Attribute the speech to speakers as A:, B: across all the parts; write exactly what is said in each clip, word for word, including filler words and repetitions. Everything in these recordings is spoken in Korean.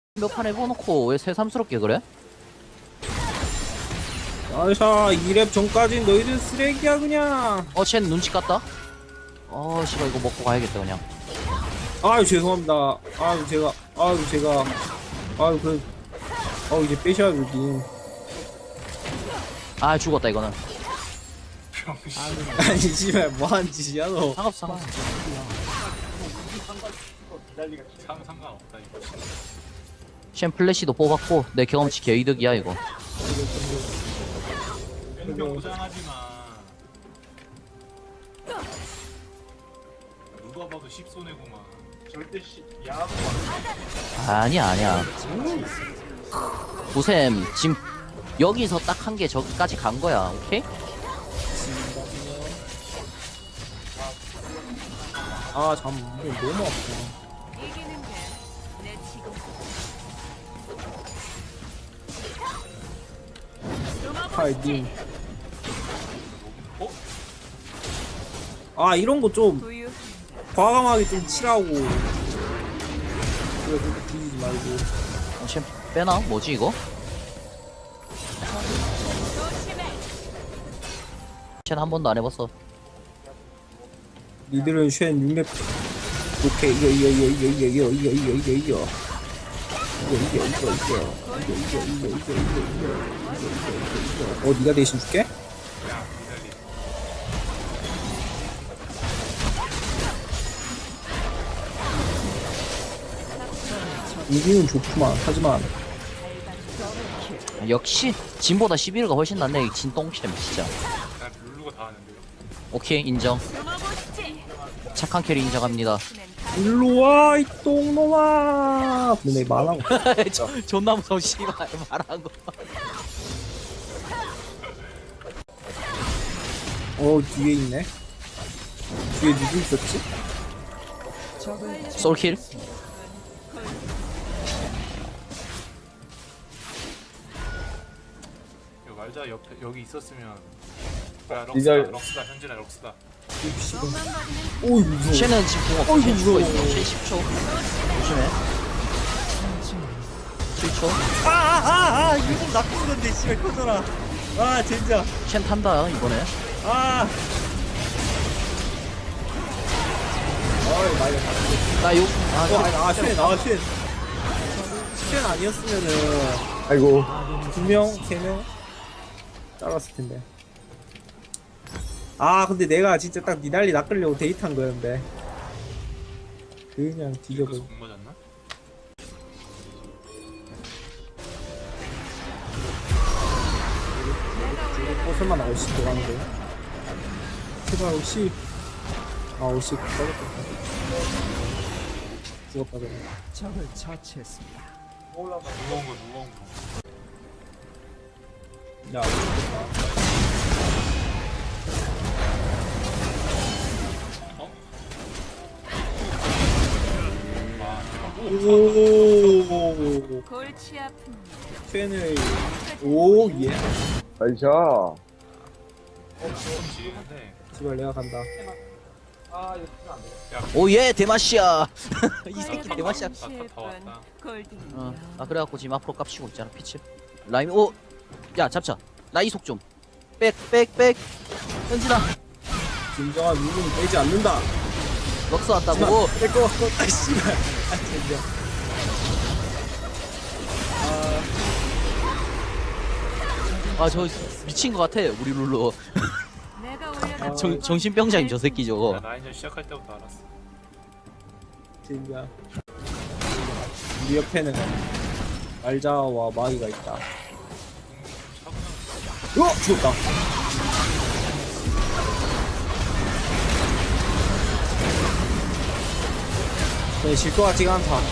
A: 몇 판 해봐놓고 왜 새삼스럽게 그래?
B: 아샤 이 렙 전까진 너희들 쓰레기야 그냥.
A: 어, 쟨 눈치 깠다? 어, 씨발 이거 먹고 가야겠다 그냥.
B: 아유 죄송합니다. 아유 제가 아유 제가 아유 그 아유 이제 빼셔야 되지.
A: 아, 죽었다 이거는.
B: 아니 씨발 뭐하는 짓이야 너.
A: 상관없어, 상관없어.
C: 상 상관없다 이거.
A: 쟨 플래시도 뽑았고 내 경험치 개이득이야 이거.
C: 왼병 포장하지 마. 누가 봐도 십손해구만. 절대 씨 야구
A: 아니야 아니야. 보셈 지금 여기서 딱 한 개 저기까지 간 거야. 오케이?
B: 아잠 이거 너무 아파.
D: 이기는 게내 지금
B: 파이팅. 아 이런 거 좀
D: 부유
B: 과감하게 좀 치라고. 그래 그렇게 뒤지지 말고.
A: 어, 쟨 빼나? 뭐지 이거?
D: 조심해.
A: 쟨 한 번도 안 해봤어.
B: 니들은 쉔 육렙 오케이 이거 이거 이거 이거 이거 이거 이거 이거 이거 이거 이거 이거 이거 이거 이거 이거 이거 이거 어 니가 대신 줄게?
C: 야 기다리.
B: 이기는 좋구만. 하지만
A: 역시 진보다 십일가 훨씬 낫네 이 진똥챔 진짜.
C: 난 룰루가 다 하는데요.
A: 오케이 인정.
D: 숨어보시지.
A: 착한 캐리 인정합니다.
B: 일로와 이 똥놈아. 근데 말하고
A: 저- 존나 무서워 씨발 말한 거.
B: 어 뒤에 있네. 뒤에 누구 있었지?
A: 솔킬?
C: 이거 말자 옆에 여기 있었으면. 야 럭스다
B: 이절-
C: 럭스다 현진아 럭스다.
B: 씨발.
D: 몸만 버리는
B: 오이 무서워.
A: 쟤는 지금 궁 없어.
B: 어이구,
A: 쟤 죽어 있어.
B: 무서워.
A: 쟤 십 초. 조심해. 칠 초.
B: 아아아아 이거 나쁜 건데 씨발 꺼져라. 아 진짜.
A: 쟨 탄다 이번에.
B: 아. 어이 많이 갔다.
A: 나 욕. 아,
B: 어, 아니, 아, 쉔, 아, 쉔. 쉔 아니었으면은.
E: 아이고
B: 두 명, 세 명? 잘랐을 텐데. 아, 근데 내가 진짜 딱 니달리 낚으려고 데이트한 거였는데. 그냥
C: 그래서
B: 뒤져버.
C: 공 맞았나?
B: 어, 설마 나 오십 들어가는데. 제발, 오십. 아, 오십. 떨어졌다. 죽었다, 저거.
C: 무거운 거 무거운 거.
B: 야, 죽었다.
C: 어? 와 대박.
B: 오,
D: 골치 아픈
B: 팬을. 오, 예.
E: 나이샤
C: 지는데.
B: 제발, 내가 간다.
A: 오예 대마시아. 이 새끼
D: 골든
A: 대마시아.
C: 다, 다, 다 왔다.
D: 골든
A: 어. 아 그래갖고 지금 앞으로 깝치고 있잖아 피치. 라임 오. 야 잡자. 나 이속 좀. 백 백 백. 현진아.
B: 진정한 누구는 빼지 않는다.
A: 럭스 왔다고.
B: 뺄거 같고. 아, 씨발. 아, 진짜.
A: 아 저 미친 것 같아 우리 룰루.
D: 내가 올려다
A: 정 정신병자인 저 새끼
C: 야,
A: 저거.
C: 나 이제 시작할 때부터 알았어.
B: 진짜. 우리 옆에는 말자와 마이가 있다.
C: 차분한
B: 어! 죽었다. 네, 질것 같지가 않다.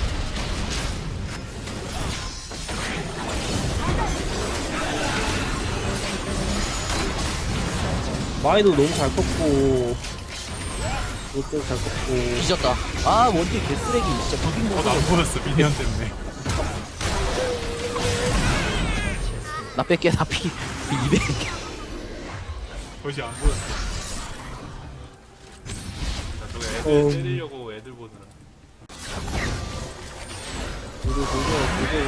B: 마이도 너무 잘 컸고, 롯데도 잘 컸고.
A: 뒤졌다. 아 원딜 개쓰레기 진짜 비빈 거.
C: 안 보였어 미니언 때문에.
A: 나 뺄게 나 피. 이백.
C: 것이 안 보였어. 나 저거 애들
B: 어.
C: 때리려고 애들 보느라.
B: 도저 도저 도저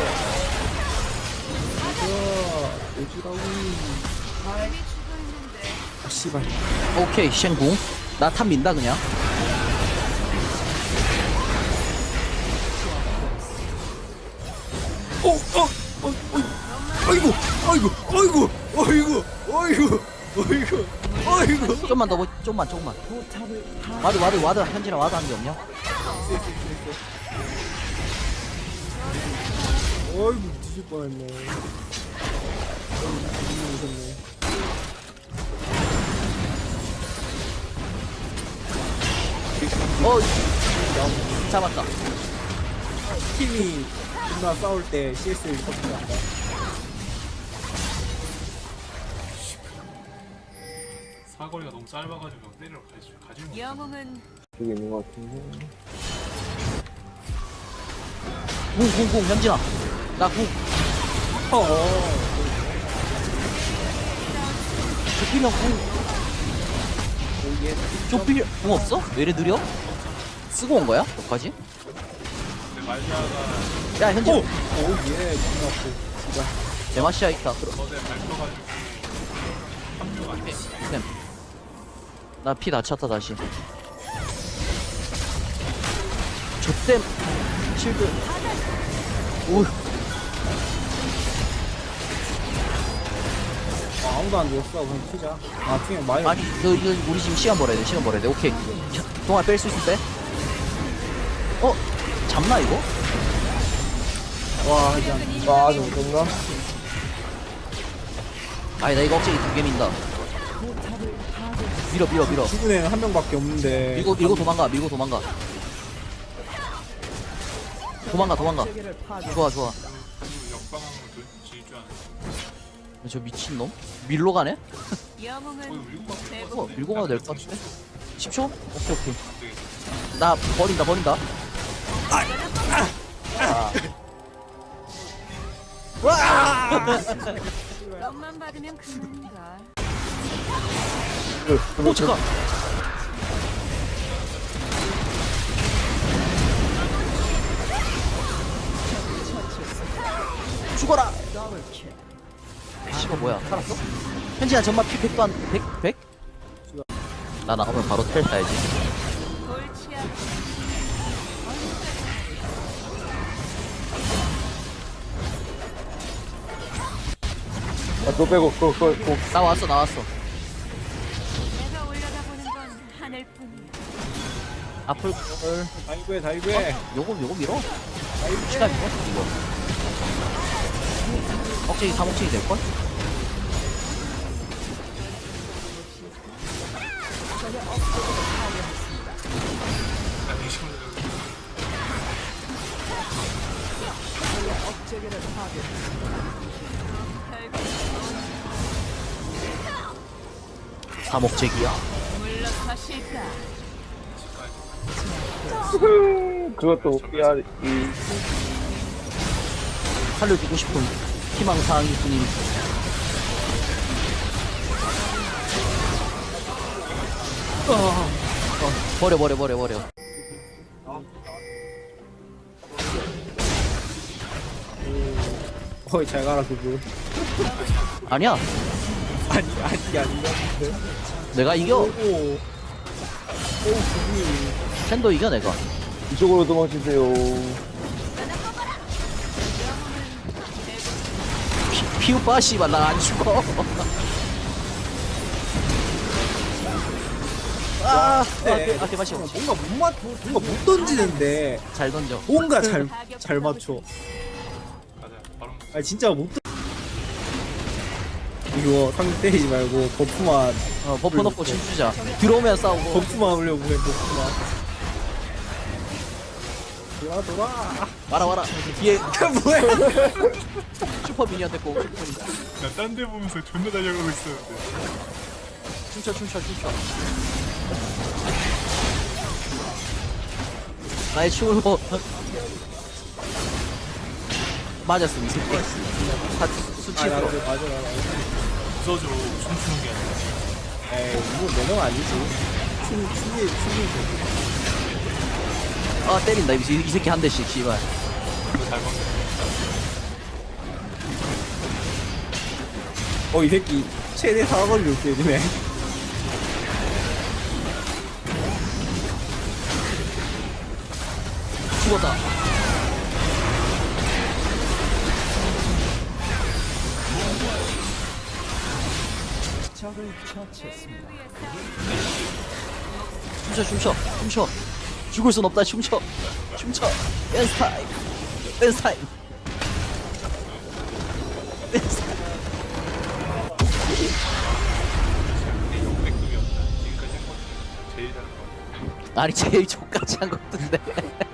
B: 도저 도저라고.
D: 이미 죽어 있는데.
B: 아 씨발.
A: 오케이 쉔궁. 나 탑 민다 그냥.
B: 어, 어, 어, 어, 아이고, 아이고, 아이고, 아이고, 아이고, 아이고, 아이고.
A: 좀만 더 보- 좀만 조금만. 와드 와드 와드 현진아 와드 한 게 없냐?
B: 아이고, 뒤질 뻔했네. 아이고, 무섭네.
A: 어 잡았다.
B: 팀이 존나 싸울 때 씨에스를 꺾지 않다.
C: 사거리가 너무 짧아가지고 때리러 가지 가지 못.
D: 영웅은
B: 여기 있는 것 같은데.
A: 궁궁궁 현진아. 나 궁.
B: 어, 어.
A: 조필형 궁.
B: 여기에
A: 조필 궁 없어? 왜 이래 느려? 쓰고 온 거야? 너까지?
C: 근데 말자가
A: 야 현진.
B: 오, 오, 예, 존나 아프. 진짜.
A: 데마시아 있다. 그럼.
C: 저대 밟혀가지고 합류가 안 돼.
A: 쌤. 나 피 다 찼다 다시. 저땜 실드. 오.
B: 아, 아무도 안 죽었어. 그냥 튀자. 아, 튀면 많이.
A: 아니 너 이거 우리 지금 시간 벌어야 돼. 시간 벌어야 돼. 오케이. 동안 뺄 수 있을 때. 어? 잡나 이거?
B: 와, 그냥. 와, 좀 그런가?
A: 아니 나 이거 억제기 두 개 민다. 밀어 밀어 밀어.
B: 죽은 애는 한 명밖에 없는데.
A: 밀고 밀고 도망가. 밀고 도망가. 도망가 도망가. 좋아 좋아.
C: 그리고 역방향으로 돌- 질주 하는.
A: 저 미친놈? 밀로 가네?
D: 영웅은
C: 거의 밀고 가면
D: 대부분
A: 어, 밀고 가도 될 것 같은데? 십 초? 오케이 오케이.
C: 안 되겠다.
A: 나 버린다 버린다.
D: 떡만 받으면 그만인가.
A: 오 잠깐. 죽어라. 씨발 뭐야 살았어? 현진아 정말 피 백도 안 백? 백? 나 나오면 바로 텔 타야지.
D: 골치 아픈
B: 아, 또 빼고, 또, 또, 또.
A: 나왔어 나왔어.
D: 내가 올라가보는 건 하늘뿐이야.
A: 앞을
B: 다이브해, 다이브해.
A: 요거 요거 밀어.
B: 다이브해.
A: 시간 이거 이거. 억제기 삼억제기 될걸?
C: 나 대신
D: 결국
A: 삼억제기야.
D: 물러서실까.
B: 그것도 야, 이.
A: 살려주고 싶은 희망사항일 뿐임. 어, 어, 버려 버려 버려 버려.
B: 어이, 잘 가라, 그거.
A: 아니야
B: 아니, 아니, 아닌가?
A: 내가 이겨.
B: 오, 오, 그분이.
A: 샌도 이겨 내가.
B: 이쪽으로 도망치세요.
A: 피, 피우빠 씨발 나 안 죽어. 아,
B: 네.
A: 아, 아 대마시
B: 뭔가 못 맞, 뭔가 못 던지는데,
A: 잘 던져.
B: 뭔가 잘, 잘 맞춰.
C: 가자. 바로
B: 아니, 진짜 못 던... 이거 상대 때리지 말고, 버프만,
A: 어, 버프 넣고 춤추자. 들어오면 싸우고.
B: 버프만 올려고 해, 버프만. 돌아, 돌아.
A: 와라 와라. 뒤에
B: 뭐야?
A: 슈퍼 미니언 됐고.
C: 나딴 데 보면서 존나 달려가고 있었는데.
A: 춤춰 춤춰 춤춰. 나의 춤을 보. 맞았어 이 새끼. 사
B: 아,
A: 수치로.
B: 맞아, 맞아, 맞아.
C: 부서져 춤추는 게 아니라.
B: 에이, 이거 매너 아니지. 춤, 춤이, 춤이.
A: 아 때린다 이, 이 새끼 한 대씩 씨발.
C: 잘 먹네.
B: 어, 이 새끼 최대 사거리로 때리네.
A: 죽었다. 춤춰 춤춰 춤춰 죽을 순 없다. 춤춰 춤춰. 댄스 타임 댄스 타임 댄스 타임.
C: 근데 역대급이었다. 지금까지 한것 중에 제일 잘한 것 같아.
A: 아니 제일 족같이 한 것 같은데.